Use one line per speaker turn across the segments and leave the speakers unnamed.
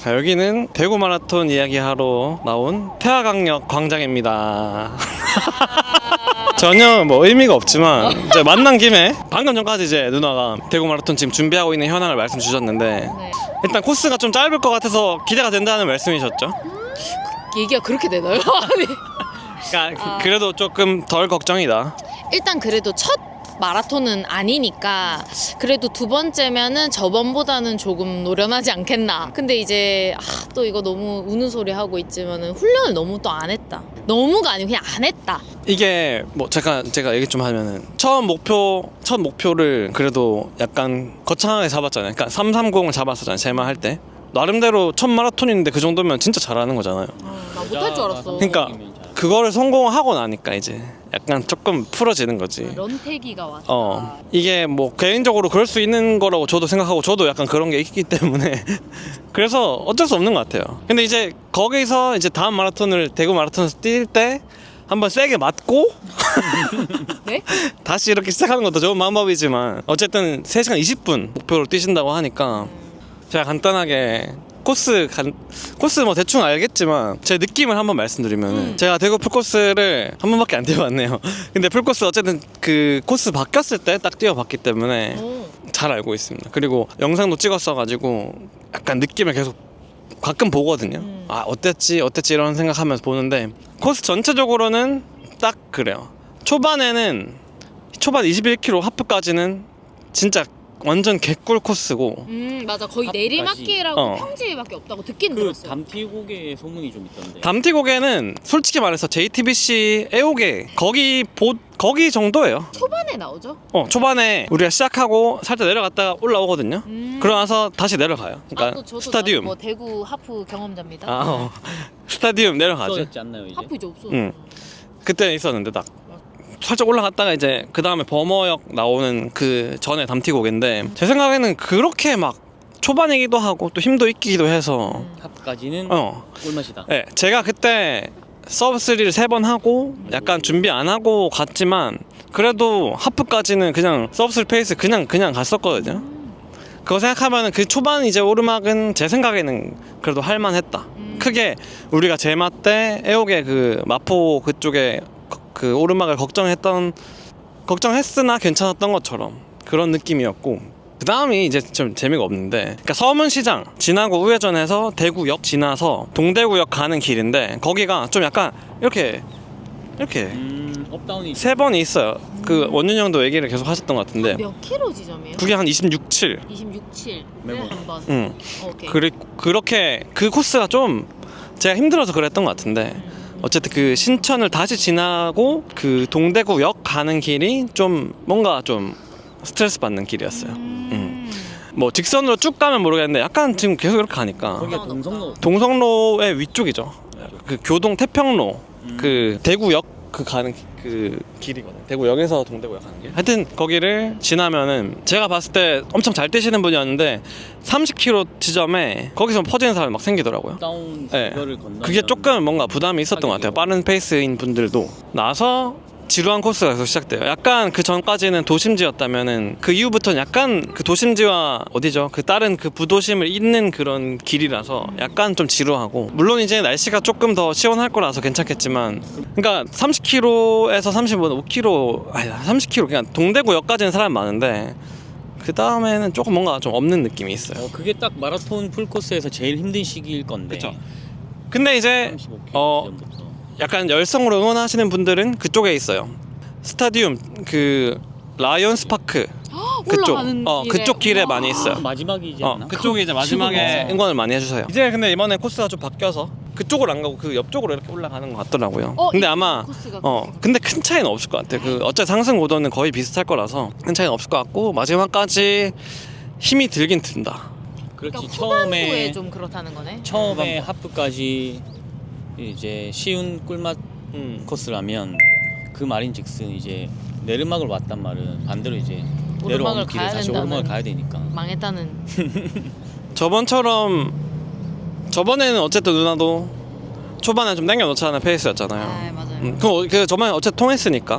자, 여기는 대구 마라톤 이야기하러 나온 태화강력 광장입니다. 전혀 뭐 의미가 없지만 이제 만난 김에 방금 전까지 이제 누나가 대구 마라톤 지금 준비하고 있는 현황을 말씀 주셨는데
네.
일단 코스가 좀 짧을 것 같아서 기대가 된다는 말씀이셨죠?
얘기가 그렇게 되나요? 아니.
그러니까 그래도 조금 덜 걱정이다.
일단 그래도 첫 마라톤은 아니니까 그래도 두 번째면은 저번보다는 조금 노련하지 않겠나. 근데 이제 또 이거 너무 우는 소리 하고 있지만은 훈련을 너무 또 안 했다. 너무가 아니고 그냥 안 했다.
이게 뭐 제가 얘기 좀 하면은 첫 목표를 그래도 약간 거창하게 잡았잖아요. 그러니까 330을 잡았었잖아요. 제 말 할 때. 나름대로 첫 마라톤인데 그 정도면 진짜 잘하는 거잖아요.
나 못할 줄 알았어.
그러니까 그거를 성공하고 나니까 이제 약간 조금 풀어지는 거지.
런태기가 왔다.
이게 뭐 개인적으로 그럴 수 있는 거라고 저도 생각하고 저도 약간 그런 게 있기 때문에 그래서 어쩔 수 없는 것 같아요. 근데 이제 거기서 이제 다음 마라톤을 대구 마라톤에서 뛸 때 한번 세게 맞고
네?
다시 이렇게 시작하는 것도 좋은 방법이지만 어쨌든 3시간 20분 목표로 뛰신다고 하니까 제가 간단하게 코스 뭐 대충 알겠지만 제 느낌을 한번 말씀드리면 제가 대구 풀코스를 한 번밖에 안 뛰어봤네요. 근데 풀코스 어쨌든 그 코스 바뀌었을 때 딱 뛰어봤기 때문에 잘 알고 있습니다. 그리고 영상도 찍었어가지고 약간 느낌을 계속 가끔 보거든요. 아 어땠지 이런 생각하면서 보는데 코스 전체적으로는 딱 그래요. 초반 21km 하프까지는 진짜 완전 개꿀 코스고
맞아. 거의 내리막길하고 평지밖에 없다고 듣긴 들었어요.
담티고개 소문이 좀 있던데.
담티고개는 솔직히 말해서 JTBC 애호개 거기 정도예요.
초반에 나오죠?
초반에 우리가 시작하고 살짝 내려갔다가 올라오거든요. 그러나서 다시 내려가요. 그러니까
저도
스타디움.
뭐 대구 하프 경험자입니다.
스타디움 내려가죠.
없어졌지 않나요 이제?
하프 이제 없어.
그때 있었는데 딱 살짝 올라갔다가 이제 그 다음에 범어역 나오는 그 전에 담티고개인데 제 생각에는 그렇게 막 초반이기도 하고 또 힘도 있기도 해서
하프까지는 꿀맛이다.
네, 제가 그때 서브 3를 3번 하고 약간 준비 안 하고 갔지만 그래도 하프까지는 그냥 서브 3 페이스 그냥 갔었거든요. 그거 생각하면 그 초반 이제 오르막은 제 생각에는 그래도 할만했다. 크게 우리가 제마 때 애옥의 그 마포 그쪽에 그 오르막을 걱정했으나 괜찮았던 것처럼 그런 느낌이었고 그 다음이 이제 좀 재미가 없는데 그러니까 서문시장 지나고 우회전해서 대구역 지나서 동대구역 가는 길인데 거기가 좀 약간 이렇게
업다운이
3번이 있어요. 그 원윤 형도 얘기를 계속 하셨던 것 같은데
몇 킬로 지점이에요?
그게 한 26.7
26.7
매번.
한번. 오케이.
그렇게 그 코스가 좀 제가 힘들어서 그랬던 것 같은데 어쨌든 그 신천을 다시 지나고 그 동대구역 가는 길이 좀 뭔가 좀 스트레스 받는 길이었어요. 뭐 직선으로 쭉 가면 모르겠는데 약간 지금 계속 이렇게 가니까
거기가
동성로의 위쪽이죠. 그 교동 태평로 그 대구역 그 가는 그 길이거든요. 대구역에서 동대구역 가는 길. 하여튼 거기를 지나면은 제가 봤을 때 엄청 잘 뛰시는 분이었는데 30km 지점에 거기서 퍼지는 사람이 막 생기더라고요.
업다운
네.
그거를 건너면
그게 조금 뭔가 부담이 있었던 것 같아요. 빠른 페이스인 분들도 나서 지루한 코스가 계속 시작돼요. 약간 그 전까지는 도심지였다면은 그 이후부터는 약간 그 도심지와 어디죠? 그 다른 그 부도심을 잇는 그런 길이라서 약간 좀 지루하고 물론 이제 날씨가 조금 더 시원할 거라서 괜찮겠지만 그러니까 30km에서 35km 아니 30km 그냥 동대구역까지는 사람 많은데 그 다음에는 조금 뭔가 좀 없는 느낌이 있어요.
그게 딱 마라톤 풀코스에서 제일 힘든 시기일 건데.
그쵸. 근데 이제
35km 지점부터.
약간 열성으로 응원하시는 분들은 그쪽에 있어요. 스타디움 그 라이언스 파크 그쪽
올라가는 길에.
그쪽 길에 많이 있어요.
마지막이지 않나?
그쪽에 이제 마지막에 응원을 많이 해주세요. 이제 근데 이번에 코스가 좀 바뀌어서 그쪽으로 안 가고 그 옆쪽으로 이렇게 올라가는 것 같더라고요. 근데 아마
코스가
근데 큰 차이는 없을 것 같아요. 그 어차피 상승 고도는 거의 비슷할 거라서 큰 차이는 없을 것 같고 마지막까지 힘이 들긴 든다.
그렇지.
그러니까 후반부에 좀 그렇다는 거네.
처음에 하프까지 이제 쉬운 꿀맛 코스라면 그 말인즉슨 이제 내리막을 왔단 말은 반대로 이제 내려오는 길에 다시 오르막을 가야 되니까
망했다는.
저번에는 어쨌든 누나도 초반에 좀 당겨놓자는 페이스였잖아요.
맞아요.
그 저번에 어쨌든 통했으니까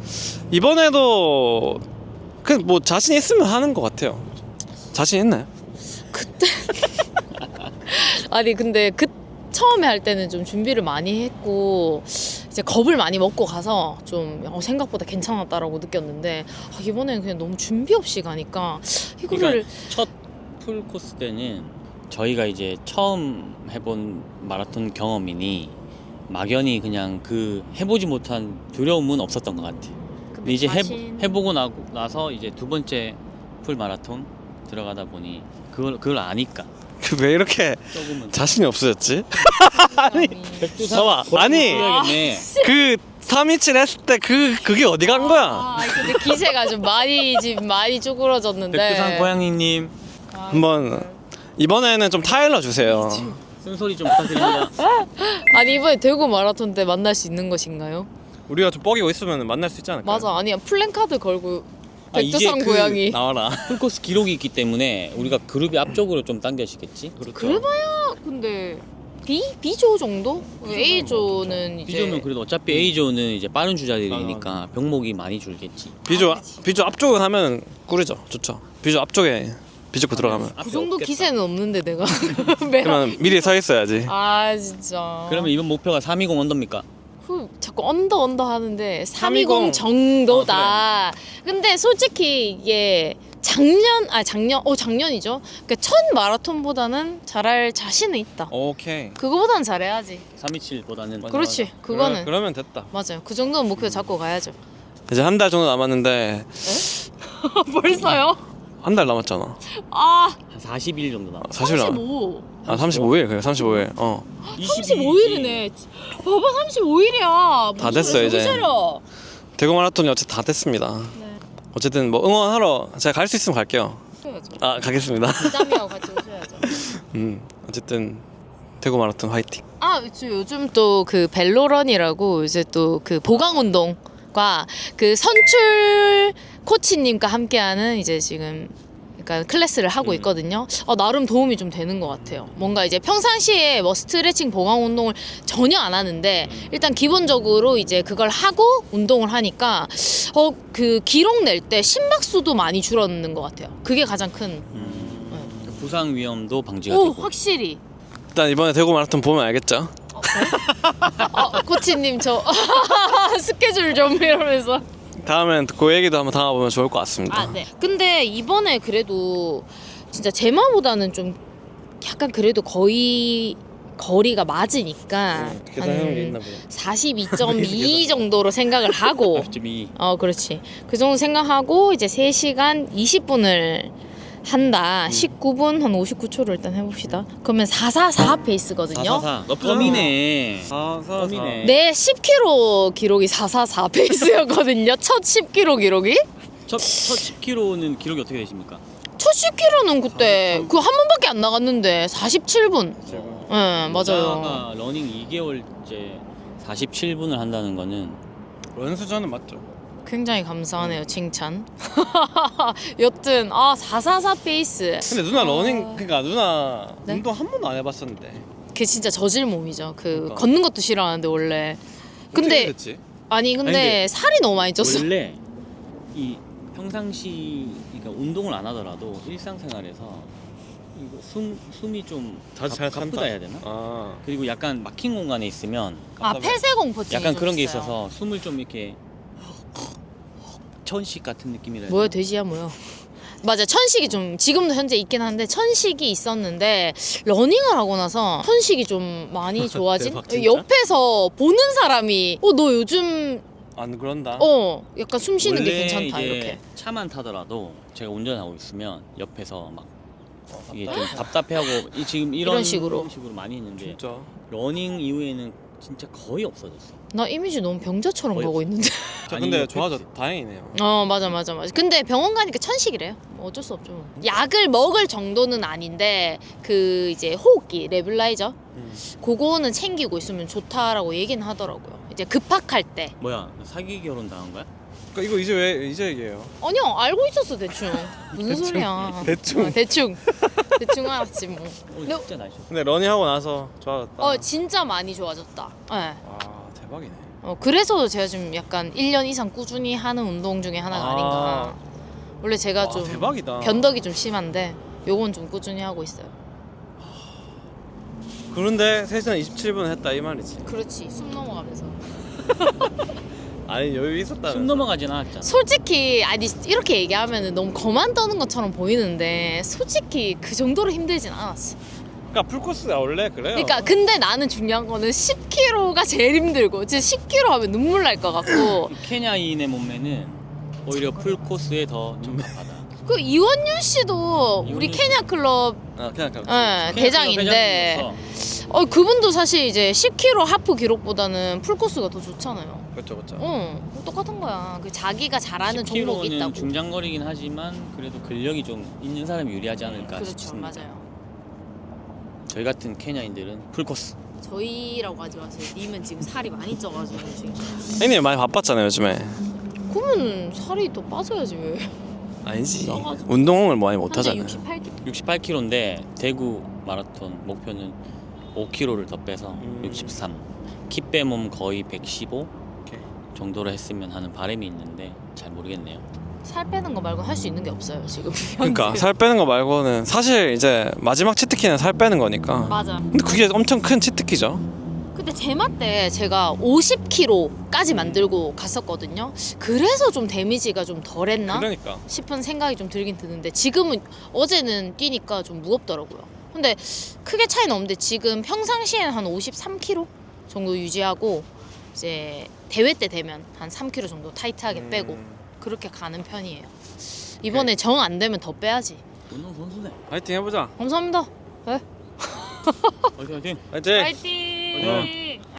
이번에도 그 뭐 자신 있으면 하는 것 같아요. 자신 있나요?
아니 근데 처음에 할 때는 좀 준비를 많이 했고 이제 겁을 많이 먹고 가서 좀 생각보다 괜찮았다라고 느꼈는데 이번에는 그냥 너무 준비 없이 가니까 이거를
그러니까 첫 풀 코스 때는 저희가 이제 처음 해본 마라톤 경험이니 막연히 그냥 그 해보지 못한 두려움은 없었던 것 같아. 근데 이제 해보고 나서 이제 두 번째 풀 마라톤 들어가다 보니 그걸 아니까
왜 이렇게
조금은
자신이 없어졌지?
아니
봐봐, 아니 그 327 했을 때 그게 어디 간 거야?
근데 기세가 좀 많이 쭈그러졌는데
백두산 고양이님
한번 이번에는 좀 타일러 주세요.
쓴소리 좀 부탁드립니다.
아니 이번에 대구 마라톤 때 만날 수 있는 것인가요?
우리가 좀 뻐기고 있으면 만날 수 있지 않을까?
맞아 아니야 플랜카드 걸고
이제
백두산 고양이
나와라.
풀코스 기록이 있기 때문에 우리가 그룹이 앞쪽으로 좀 당겨지겠지.
그렇죠.
그래봐야 근데 B조 정도? A조는 이제
B조는 그래도 어차피 A조는 이제 빠른 주자들이니까 병목이 많이 줄겠지.
비조 앞쪽을 하면 꿀이죠. 좋죠. 비조 앞쪽에 비조고 들어가면.
그 정도 기세는 없는데 내가
그러면 미리 서 있어야지.
아 진짜
그러면 이번 목표가 320 언더입니까?
자꾸 언더 하는데 320
320
정도다. 근데 솔직히 이게 작년이죠. 그러니까 첫 마라톤보다는 잘할 자신은 있다.
오케이.
그거보다는 잘해야지.
327보다는
맞아,
그렇지.
맞아.
그거는
그러면 됐다.
맞아요. 그 정도는 목표 잡고 가야죠.
이제 한 달 정도 남았는데
벌써요?
한 달 남았잖아.
아
한 40일 정도 남았어.
40일 남았.
35.
아 35일 그래 35일.
35일이네. 봐봐 35일이야.
다 됐어, 이제. 대구 마라톤이 어쨌든 다 됐습니다.
네.
어쨌든 뭐 응원하러 제가 갈 수 있으면 갈게요.
오셔야죠.
아 가겠습니다.
부담이하고 같이 오셔야죠.
어쨌든 대구 마라톤 화이팅.
요즘 또 그 벨로런이라고 이제 또 그 보강 운동과 그 선출 코치님과 함께하는 이제 지금 그러니까 클래스를 하고 있거든요. 나름 도움이 좀 되는 것 같아요. 뭔가 이제 평상시에 뭐 스트레칭 보강 운동을 전혀 안 하는데 일단 기본적으로 이제 그걸 하고 운동을 하니까 그 기록 낼 때 심박수도 많이 줄었는 것 같아요. 그게 가장 큰.
부상 위험도 방지가
오
되고.
확실히.
일단 이번에 대구 마라톤 보면 알겠죠.
코치님 저 스케줄 좀 이러면서.
다음엔 그 얘기도 한번 담아보면 좋을 것 같습니다.
네. 근데 이번에 그래도 진짜 제마보다는 좀 약간 그래도 거의 거리가 맞으니까
계산하는 게 있나 보네.
42.2 정도로 생각을 하고
42.
그렇지. 그 정도 생각하고 이제 3시간 20분을 한다. 19분 한 59초로 일단 해봅시다. 그러면 444 페이스거든요.
444. 너 펌이네. 펌이네.
내 10km 기록이 444 페이스였거든요. 첫 10km 기록이.
첫 10km는 기록이 어떻게 되십니까?
첫 10km는 그때 그 한 번밖에 안 나갔는데 47분. 네, 맞아요.
여자가 러닝 2개월째 47분을 한다는 거는
런수저는 맞죠?
굉장히 감사하네요, 칭찬. 여튼 444 페이스.
근데 누나 러닝 그러니까 누나
네?
운동 한 번도 안 해봤었는데.
그게 진짜 저질 몸이죠.
그러니까.
걷는 것도 싫어하는데 원래. 근데
어떻게 됐지?
아니 근데
근데
살이 너무 많이 쪘어.
원래 이 평상시 그러니까 운동을 안 하더라도 일상생활에서 이거 숨이 좀
잘
가쁘다 해야 되나?
아
그리고 약간 막힌 공간에 있으면
폐쇄공포증이
약간
좀
그런 게
있어요.
있어서 숨을 좀 이렇게 천식 같은 느낌이라 해야
뭐야
되나?
돼지야 뭐야. 맞아 천식이 좀 지금도 현재 있긴 한데 천식이 있었는데 러닝을 하고 나서 천식이 좀 많이 좋아진.
대박, 진짜?
옆에서 보는 사람이 너 요즘
안 그런다.
약간 숨 쉬는 게
원래
괜찮다
이제
이렇게.
차만 타더라도 제가 운전하고 있으면 옆에서 막 이게 좀 답답해하고 지금
이런 식으로.
많이 했는데
진짜.
러닝 이후에는 진짜 거의 없어졌어.
나 이미지 너무 병자처럼
거의
가고 있는데.
자,
아니,
근데
옆에
좋아졌. 다행이네요.
맞아. 근데 병원 가니까 천식이래요. 뭐 어쩔 수 없죠. 뭐. 약을 먹을 정도는 아닌데 그 이제 호흡기 레블라이저 그거는 챙기고 있으면 좋다라고 얘기는 하더라고요. 이제 급박할 때.
뭐야 사기 결혼 당한 거야?
그러니까 이거 이제 왜 이제 얘기해요?
아니요 알고 있었어 대충. 무슨 소리야.
대충.
대충 알았지 뭐.
진짜 날씨.
근데 러닝하고 나서 좋아졌다.
진짜 많이 좋아졌다. 네.
아 대박이네.
그래서 제가 좀 약간 1년 이상 꾸준히 하는 운동 중에 하나가 아닌가. 원래 제가
와,
좀
대박이다.
변덕이 좀 심한데 요건 좀 꾸준히 하고 있어요.
그런데 3시간 27분 했다 이 말이지.
그렇지. 숨 넘어가면서.
아니 여유 있었다.
숨 넘어가진 않았잖아.
솔직히 아니 이렇게 얘기하면 너무 거만 떠는 것처럼 보이는데 솔직히 그 정도로 힘들진 않았어.
그러니까 풀코스가 원래 그래요.
그러니까 근데 나는 중요한 거는 10km가 제일 힘들고 진짜 10km 하면 눈물 날 것 같고
케냐인의 몸매는 오히려 풀 코스에 더 적합하다.
그 이원윤 씨도 우리 케냐 클럽
그냥
대장인데 그분도 사실 이제 10km 하프 기록보다는 풀코스가 더 좋잖아요.
그렇죠.
똑같은 거야. 그 자기가 잘하는 종목이
10km는
있다고.
중장거리긴 하지만 그래도 근력이 좀 있는 사람이 유리하지 않을까
그렇죠,
싶습니다.
맞아요.
저희 같은 케냐인들은 풀 코스.
저희라고 하지 마세요. 님은 지금 살이 많이 쪄가지고 지금.
형님 많이 바빴잖아요 요즘에.
그러면 살이 더 빠져야지 왜?
아니지.
써가지고.
운동을 많이 못 하잖아요.
68kg.
68kg인데 대구 마라톤 목표는 5kg를 더 빼서 63. 키 빼몸 거의 115
오케이.
정도로 했으면 하는 바람이 있는데 잘 모르겠네요.
살 빼는 거 말고 할 수 있는 게 없어요 지금.
그러니까 살 빼는 거 말고는 사실 이제 마지막 치트키는 살 빼는 거니까.
맞아.
근데 그게 엄청 큰 치트키죠.
근데 제마 때 제가 50kg까지 만들고 갔었거든요. 그래서 좀 데미지가 좀 덜했나
그러니까.
싶은 생각이 좀 들긴 드는데 지금은 어제는 뛰니까 좀 무겁더라고요. 근데 크게 차이는 없는데 지금 평상시에는 한 53kg 정도 유지하고 이제 대회 때 되면 한 3kg 정도 타이트하게 빼고 그렇게 가는 편이에요. 이번에 정 안 되면 더 빼야지.
운동 선수네.
파이팅 해보자.
감사합니다. 네.
화이팅 화이팅.
파이팅.
파이팅.